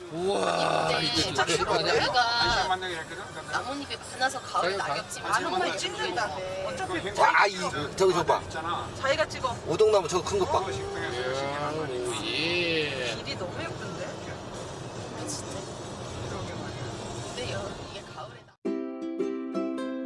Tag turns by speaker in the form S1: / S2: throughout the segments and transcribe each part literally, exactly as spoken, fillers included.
S1: 우와 이거
S2: 진짜
S1: 제대로 아니야?
S2: 여기가
S3: 만나게 했거든.
S2: 나뭇잎이 많아서 가을에
S1: 자기가
S2: 낙엽지
S3: 가-
S2: 정말
S4: 찍는다.
S2: 어차피
S4: 자, 아, 이 저기 저 봐.
S3: 있잖아.
S4: 자기가 찍어.
S1: 오동나무 저거 큰 거 봐.
S3: 그거 식당에서 시키란
S1: 이야,
S3: 말이야.
S1: 오, 예.
S4: 길이 너무 예쁜데?
S2: 진짜.
S3: 그러게 말이야.
S2: 근데 여, 이게 가을에 나.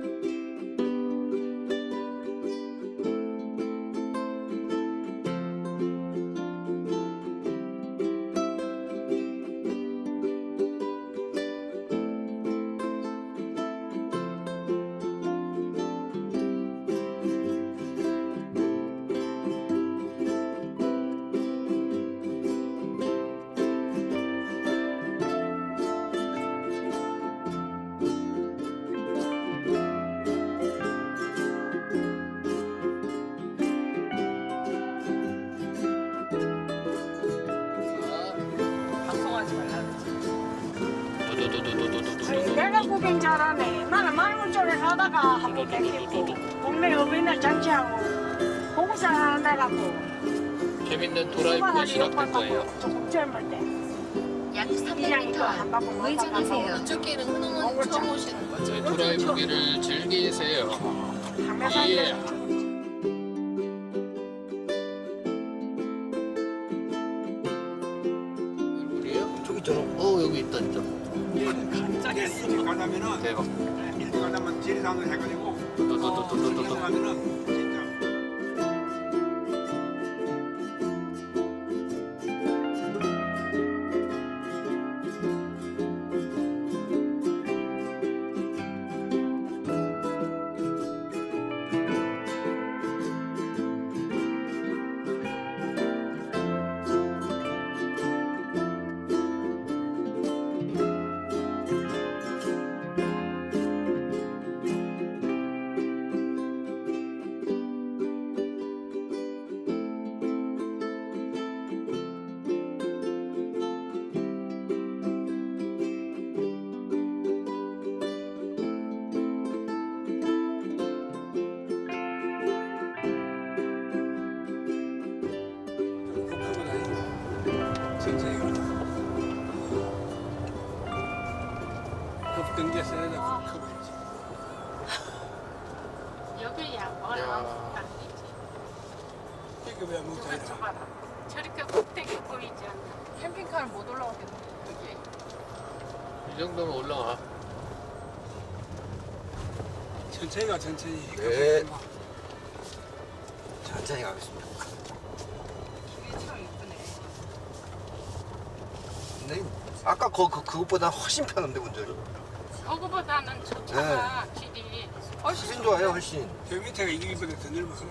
S4: 방송하지 말라 그랬지.
S5: 내가 구경 잘하네. 나는 마을 쪽에 가다가 한번 뵙겠고 동네 어린이날 잔치하고 봉사 한다가고
S1: 재밌는 도라이브가 시작된 거예요.
S5: 조금 젊을 때
S6: 약
S5: 이장이 또 한
S6: 삼백 미터
S5: 바퀴
S6: 우회전하세요.
S2: 이쪽 길은 흔하면 처음 오시는 거죠.
S1: 네, 도라이브기를 즐기세요.
S5: 항상
S1: 예. 물이에요?
S4: 저기 있잖아.
S1: 어 여기 있다 진짜.
S3: 이제 일찍 가자면은
S1: 대박.
S3: 일찍 가자면 지리산을 해가지고
S1: 또또또또또또.
S3: 가면은 진짜. 천천히 가자. 급등제 써야 돼. 급해야지.
S5: 여기야 뭘
S1: 야.
S5: 아무것도 안 되지.
S3: 이거 왜 먹자 이래.
S5: 봐라. 저렇게 꼭대기 보이지 않나.
S4: 캠핑카를 못 올라가겠네.
S1: 이 정도면 올라와.
S3: 천천히 가 천천히.
S4: 네. 천천히 가겠습니다. 길이 참 예쁘네. 근데 아까 그, 그 그것보다 훨씬 편한데 운전이.
S5: 저거보다는 저 차가 길이
S4: 훨씬 좋아요, 훨씬.
S3: 저 밑에가 이기보다 더 넓어서.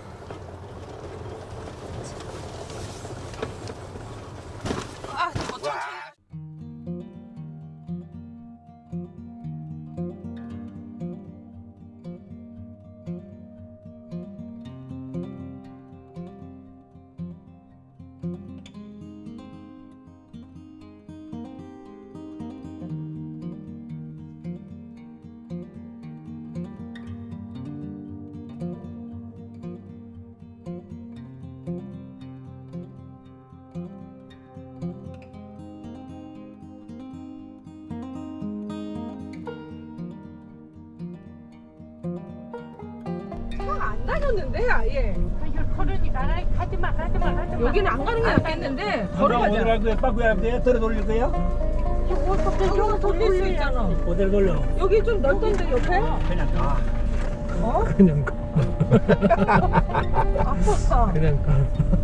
S4: 와.
S5: 아, 천천히.
S7: 안 다녔는데 아예
S5: 이걸 걸으니 나라 가지마 가지마 가지마.
S7: 여기는 안 가는 게 낫겠는데 걸어가자.
S8: 어디로 거야? 빠꾸야 돼? 들어 돌릴 거야?
S7: 여기서 돌릴 수 있잖아.
S8: 어디로 돌려?
S7: 여기 좀 넓던데 옆에?
S8: 그냥 가.
S7: 어?
S8: 그냥 가.
S7: 아팠어.
S8: 그냥 가.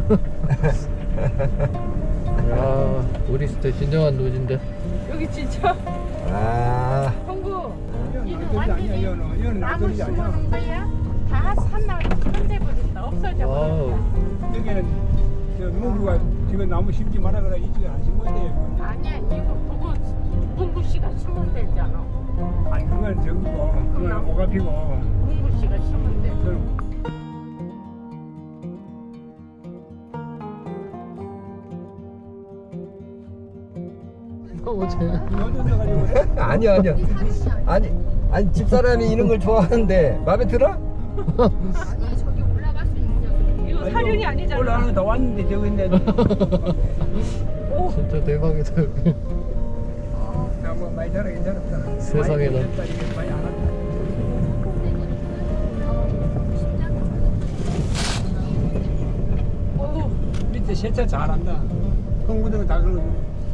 S1: 야 우리 진짜 진정한 노지인데.
S7: 여기 진짜
S4: 아.
S7: 형부
S3: 이건 돌이 아니야. 이거는 이거는
S5: 나무
S3: 돌이 아니야.
S5: 심는 거야? 다 산나무 손대버린다 없어져
S1: 와우.
S5: 버린다.
S3: 여기는 저 문구가 지금 나무 심지 마라 그래 이쪽에 안 심어야 돼.
S5: 아니야 이거 그거 문구 씨가 심으면 되잖아.
S3: 아니 그건 저기고 그건 오가피고.
S5: 문구 씨가 심으면 돼.
S3: 그건
S1: 너무 재.
S3: 넣어준다 가지고 그래?
S4: 아니요, 아니요. 아니, 아니 집사람이 이런 걸 좋아하는데 마음에 들어?
S6: 아니 저기 올라갈 수 있냐고.
S7: 이거 사륜이 아니잖아.
S3: 올라가는 거 다 왔는데 저기 있는데
S1: 진짜 대박이다 여기.
S3: 나뭐 많이 자라긴 자랐다.
S1: 세상에나.
S3: 많이 됐다, 이게 많이 안 왔다.
S7: 어우,
S3: 밑에 세차 잘한다. 홍구등은 다 그러고.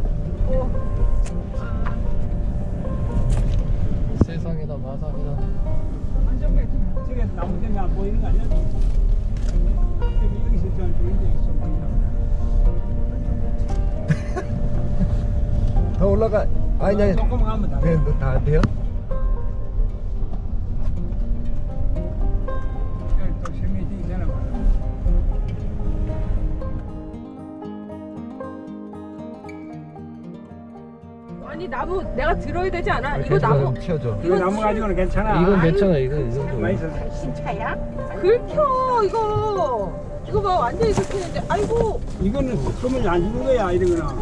S1: 세상에나 마상에나.
S7: 완전 매.
S3: 저게 나무 때문에 안 보이는 거 아니야? 저기 여기서 잘 보이는데 있어 보인다.
S4: 더 올라가. 아니 아니.
S3: 조금만 가면 다
S4: 네,
S3: 돼.
S4: 다안 돼요?
S3: 여기 또 생명이 있잖아.
S7: 아니 나무 내가 들어야 되지 않아? 이거
S4: 괜찮아요.
S7: 나무
S4: 치워줘.
S3: 이거 나무 가지고는 괜찮아.
S1: 이건 괜찮아. 이건 이 정도.
S3: 맛있어.
S5: 신차야?
S7: 긁혀 이거. 이거 봐 완전히 긁히는데. 아이고.
S3: 이거는 그러면 안 주는 거야 이러거나.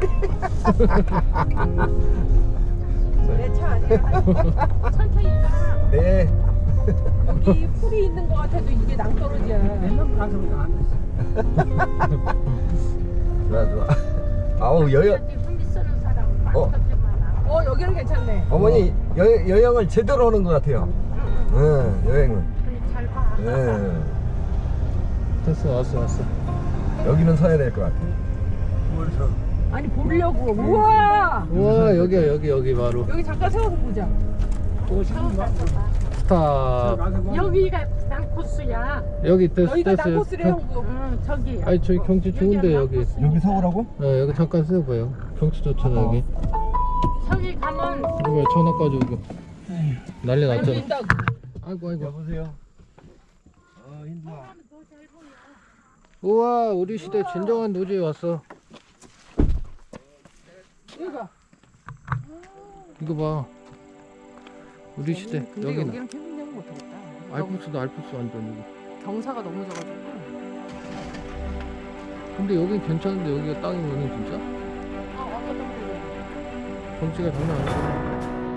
S7: 내 차 아니야. 천천히 가.
S4: 네.
S7: 여기 풀이 있는 것 같아도 이게 낭떠러지야.
S3: 맨날 가서부터 안 됐어.
S4: 좋아 좋아. 아우 여여
S5: 훈비 쓰는 사람
S4: 어.
S5: 많던데 많아.
S7: 어 여기는 괜찮네.
S4: 어머니 여 여행을 제대로 하는 것 같아요. 응 여행을.
S5: 그래, 잘 봐.
S4: 예.
S1: 됐어, 왔어, 왔어.
S4: 여기는 서야 될 것 같아.
S3: 뭘서?
S7: 아니 보려고. 우와.
S1: 우와, 여기야, 여기, 여기 바로.
S7: 여기 잠깐 세워서 보자.
S3: 오십분 봐.
S1: 스탑.
S3: 가서 봐.
S5: 여기가 난 코스야.
S1: 여기 됐어,
S7: 여기가
S1: 됐어요.
S7: 낙코스래 형부.
S5: 응, 저기.
S1: 아니, 저기 경치 좋은데, 여기.
S4: 여기 서우라고?
S1: 어, 여기 잠깐 세워봐요. 경치 좋잖아, 여기.
S5: 저기 가면
S1: 이거 전화까지 오고. 난리 났잖아.
S7: 보인다고.
S1: 아이고, 아이고.
S4: 여보세요. 어 힘들어.
S1: 우와, 우리 시대 진정한 노지에 왔어.
S7: 이거 봐.
S1: 이거 봐. 우리 시대.
S7: 근데
S1: 여기는.
S7: 여기는 캠핑장은 못하겠다.
S1: 알프스도 알프스 완전 이거.
S7: 경사가 너무 져가지고.
S1: 근데 여긴 괜찮은데 여기가 땅이면은 진짜?
S7: 아 아까 좀
S1: 경치가 장난 아니야.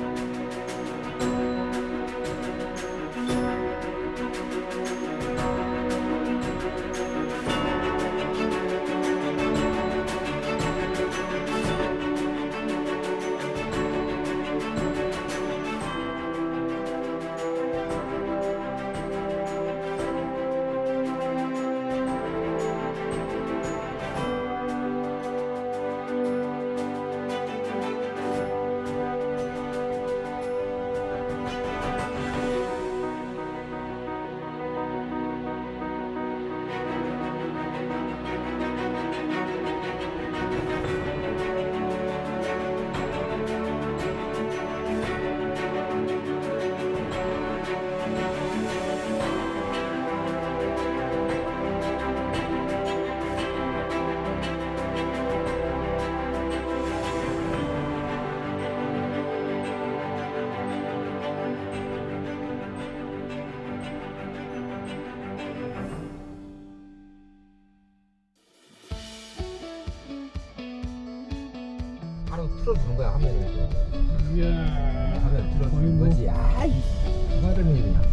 S4: 바로 틀어주는 거야 화면을.
S3: 이야.
S4: 화면
S3: 거의
S4: 틀어주는
S3: 뭐-
S4: 거지. 아이 하는 일이야.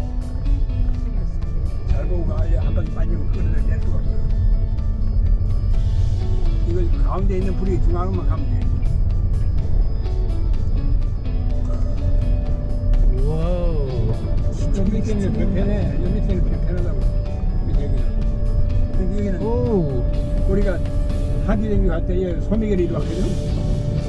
S3: 잘 보고 가야 한 바퀴 빠지면 끌어낼 수가 없어. 이거 가운데 있는 불이 중앙으로만 가면 돼.
S1: 와우.
S3: 저 밑에는 불편해. 여 밑에는 불편하다고. 밑에 여기는. 근데 여기는
S1: 오.
S3: 우리가 하기랭이 갈 때 소미결이 이리 왔거든.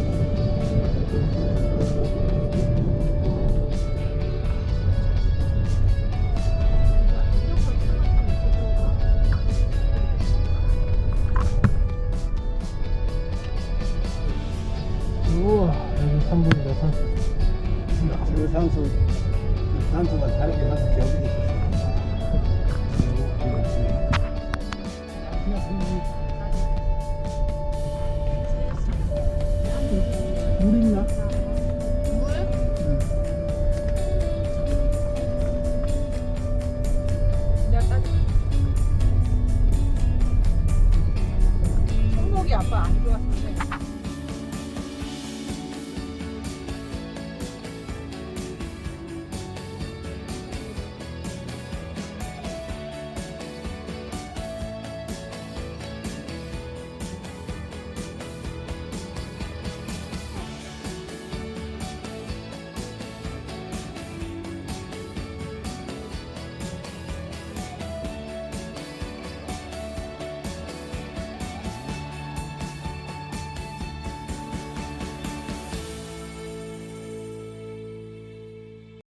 S1: 우와, 여기 산불이다, 산.
S3: 저 산소, 산소가 다르게 나서 겨울이 있었어. 물 있나?